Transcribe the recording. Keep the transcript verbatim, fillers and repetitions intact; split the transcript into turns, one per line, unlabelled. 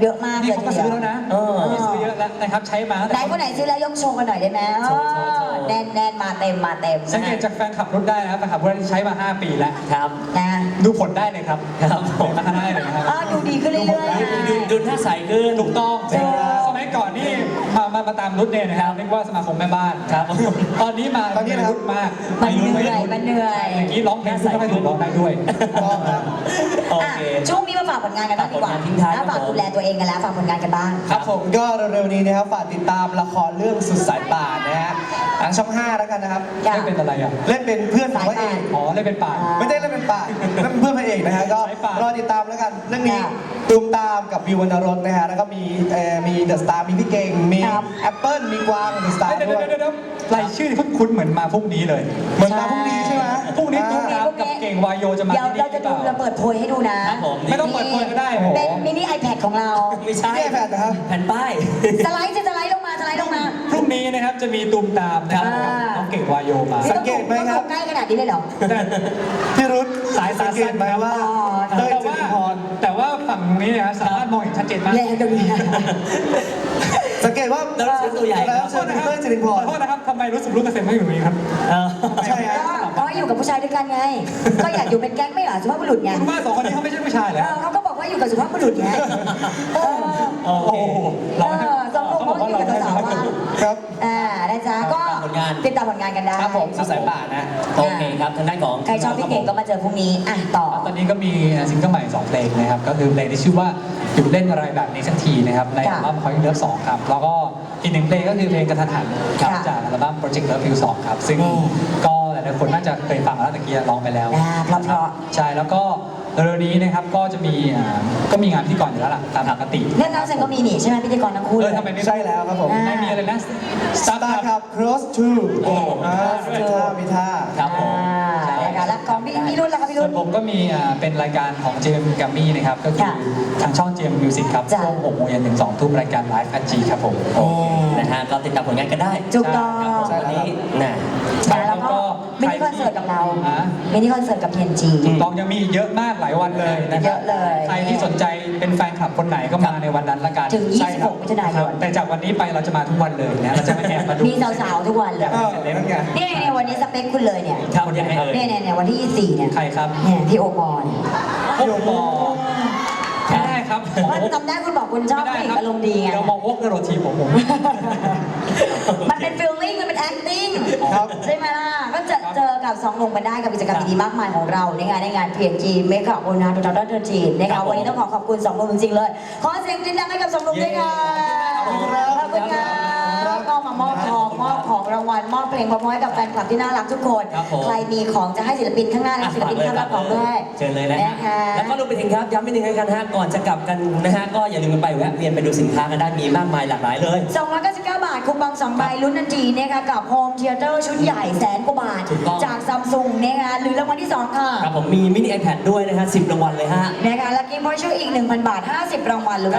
เยอะมาก
นี่
เลย
เขาก็ซื้อแล้วนะมีซื้อเยอะแล้วนะครับใช้มา
ไหนคนไหนซื้อแล้วยกโชว์กันหน่อยได้ไหมแน่นแน่นมาเต็มมาเต็ม
สังเกตจากแฟนขับรถได้นะครับแฟนขับรถที่ใช้มาห้าปีแล้ว
ครับ
นะ
ดูผลได้เลยครับ
ครับผม
มาได้เลยนะครับ
ดูดีขึ้นเรื่อยๆ
ดูดูท่าใสขึ้น
ถูกต้องสมัยก่อนนี่มามามาตามรุ่นเนี่ยนะครับเรียกว่าสมาคมแม่บ้าน
ครับ
ตอนนี้มา
ตอนนี้นะครับ
รุ่นมาก
มันเหนื่อยมันเหนื่อย
อย่างนี้ร้องเพลงก็ไม่ถูกร้องได้ด้วย
ต้องครับ
โอเค
ช่วงนี้มาฝากผลงานกันบ้างดีกว่า
ฝากผลงานทิ้งท้ายครับ
ฝากดูแลตัวเองกันแล้วฝากผลงานกันบ้าง
ครับผมก็เร็วๆนี้นะครับฝากติดตามละครเรื่องสุดสายป่านนะฮะทางช่องห้าแล้วกันนะครับ
ค่ะ
ไม่เป็นอะไรอ่ะ
เล่นเป็นเพื่อนของพระเอก
อ๋อเล่นเป็นป่า
ไม่ได้เล่นเป็นป่านเล่นเป็นเพื่อนพระเอกนะฮะก็
สายป่าน
รอติดตามแล้วกันเรื่องนี้
ค่ะ
ตูมตามกับวิววรรณรสนะฮะแล้วก็มีเอ่อมีเดอะสตาร์มีพี่เก่งมี
ครับ
แอปเปิลมีกวางเดอะสตาร์
เดี๋ยว
ด้วย
เดี๋ยวเดี๋ยวรายชื่อที่คุ้นๆเหมือนมาพรุ่งนี้เลย
เหมือนมาพรุ่งนี้ใช่ไหม
พรุ่งนี้
อ่า
ตุ้มตามกับเก่งวายโยจะมา
เดี๋ยว
ที่นี่
เราจะดู
หรือเป
เรา
ล่า
เปิดโพยให้ดูนะครับ
ผม
ไม่ต้องเปิดโพยก็ได้โอ้โห
เป็นมินิ iPad ของเรา
ไม่ใช่
นี่ไอแพดนะครับ
แผ่นป้าย
สไลด์จะสไลด์ลงมาสไลด์ลงมา
พรุ่งนี้นะครับจะมีตูมตามนะครับ
อ่า
น้องเก่งวายโยมา
สังเกตไหมครับ
ต้องใกล้ขนาดนี้เลยเหรอ
พี่รุธ
สายตา
สังเก
สั้
ต
น
ไหมว่า
อ๋อ
เต้ย
แต่
จ
ว่า
ริพร
แต่ว่าฝั่งนี้เนยนะสามารถมองเห็นชัดเจนมาก
แรงตรงนี้
สังเกตว่า
แล้วเราเชิญตัวใหญ่
แล้วเชิญเต้ยจริพ
ข
ร
อโทษนะครับทำไมรู้สึกรู้เกษมไม่อยู่ตรงนี้ครับ
เออ
ใช่ฮะ
ก็ก็อยู่กับผู้ชายด้วยกันไง ก็อยากอยู่เป็นแก๊งไม่เหรอสุภาพบุรุษไง
คุณว่าสองคนนี้เขาไม่ใช่ผู้ชายเหร
เอ
อ
อเขาก็บอกว่าอยู่กับสุภาพบุรุษไงเออ
โอ
โอ้
เค
โห
เออสองคนเขาอยู่กับสาวๆว่า
ครับ
อ่านะจ๊ะก็
ผลงาน
ติดตามผลงานกันได้
ครับผมสุดสายป่านนะ
โอเคครับทางด้านของ
ใครชอบพี่เก่งก็มาเจอพรุ่งนี้อ่ะต่อ
ตอนนี้ก็มีซิงเกิลใหม่สองเพลงนะครับก็คือเพลงที่ชื่อว่าหยุดเล่นอะไรแบบนี้สักทีนะครับในอัลบั้ม Point Love สองครับแล้วก็อีกหนึ่งเพลงก็คือเพลงกระทันหันครับ
ค่ะ
จากอัลบั้ม Project Love You สองครับซึ่ง
อืม
ก็หลายๆคนน่าจะเคยฟังแล้วตะกี้ร้องไปแล้ว
อ่าเพราะๆ
ใช่แล้วก็เร็วๆนี้นะครับก็จะมีอ่าก็มีงานพิธีกรอยู่แล้วล่ะตามปกติ
เรื่องน้ำเซนก็มีนี่ใช่ไหมพิธีกรทั้งคู่
เอ
เล
อย ทำไมไม่
ใช่แล้วครับผม
อ่า
ไม่มีอะไรนะ
สตาร์ครับ cross to
โอ้โห
อ่ามีท่ามีท่า
ครับผม
อ่านะคะแล้วของพี่พี่รุ่นล่ะครับพี่
ส่
รุ่
วน นผมก็มีอ่าเป็นรายการของ เจ เอ็ม Grammy นะครับก็คือ
ค่ะ
ทางช่อง เจ เอ็ม Music ครับ
จ้ะ
ช่วงหกโมงเย็นถึงสองทุ่มรายการ Live แอท จี ครับผม
โอเคนะฮะก็ติดตามผลงานกันได้
ถูกต้อง
ครับผมวันนี้นะ
แล้วก็มินิคอนเสิร์ตกับเรา
อ่ะ
มินิคอนเสิร์ตกับ พี เอ็น จี
ถูกต้องยังมีอีกเยอะมากหลายวันเลยนะค
เย
รับ
อะเลย
ใครที่สนใจเป็นแฟนคลับคนไหนก็มาในวันนั้นละกัน
ถึง
ใช่ครับ
ยี่สิบหกมิถุนายน
ครับแต่จากวันนี้ไปเราจะมาทุกวันเลยนะเราจะมาแอบมาดู
มีสาวๆทุกวันเลย
เออนั่นไง
นี่เนี่ยวันนี้สเปคคุณเลยเนี่ย
ครับยังไงเอ่ย
เนี่ยเนี่ยเนี่ยวันที่ยี่สิบสี่เนี่ย
ใครครับ
เนี่ยพี่โอปอล
โอ้โหไม่ได้ครับ
ว่าจำได้คุณบอกคุณชอบผู้หญิงอารมณ์ดีไง
เดี๋ยวมองโอ๊กกระโดดทีมผมผม
มันเป็นฟีลลิ่งมันเป็น acting
ครับ
ใช่ไหมล่ะ ก็จะเจอกับสองหนุ่มกันได้กับกิจกรรมดีๆมากมายของเราในงานในงาน พี เอ็น จี Makeup on Night ทู จีนะ
ครั
คะ
บผม
วันนี้ต้องขอขอบคุณสองหนุ่มจริงๆเลย ขอเสียงดังๆให้กับสองหนุ่มด้วยค่ะ
ขอบคุณครับ
ขอบคุณครับก็มามอบทองมอบของรางวัลมอบเพลงพร้อมๆให้กับแฟนคลับที่น่ารักทุกคน
ครับผม
ใครมีของจะให้ศิลปินข้างหน้าและศิลปินข้างหลังของด้วย
เชิญเลยนะฮะ
นะคะ
แล้วก็รวมไปถึงครับย้ำอีกหนึ่งกันฮะก่อนจะกลับกันนะฮะก็อย่าลืมกันไปแวะเวียนไปดูสินค้ากันได้มีมากมายหลากหลายเลย
สองร้อยเก้าสิบเก้า บาทคูปองสองใบลุ้นทันทีนะคะกับโฮมเทเตอร์ชุดใหญ่แสนกว่าบาท
ถูกต้อง
จากซัมซุงนะคะหรือรางวัลที่สองค่ะ
ครับผมมีมินิ iPad ด้วยนะฮะสิบรางวัลเลยฮะ
นะคะและกิฟต์วอเชอร์อีก หนึ่งพัน บาท ห้าสิบ รางวัลหรือ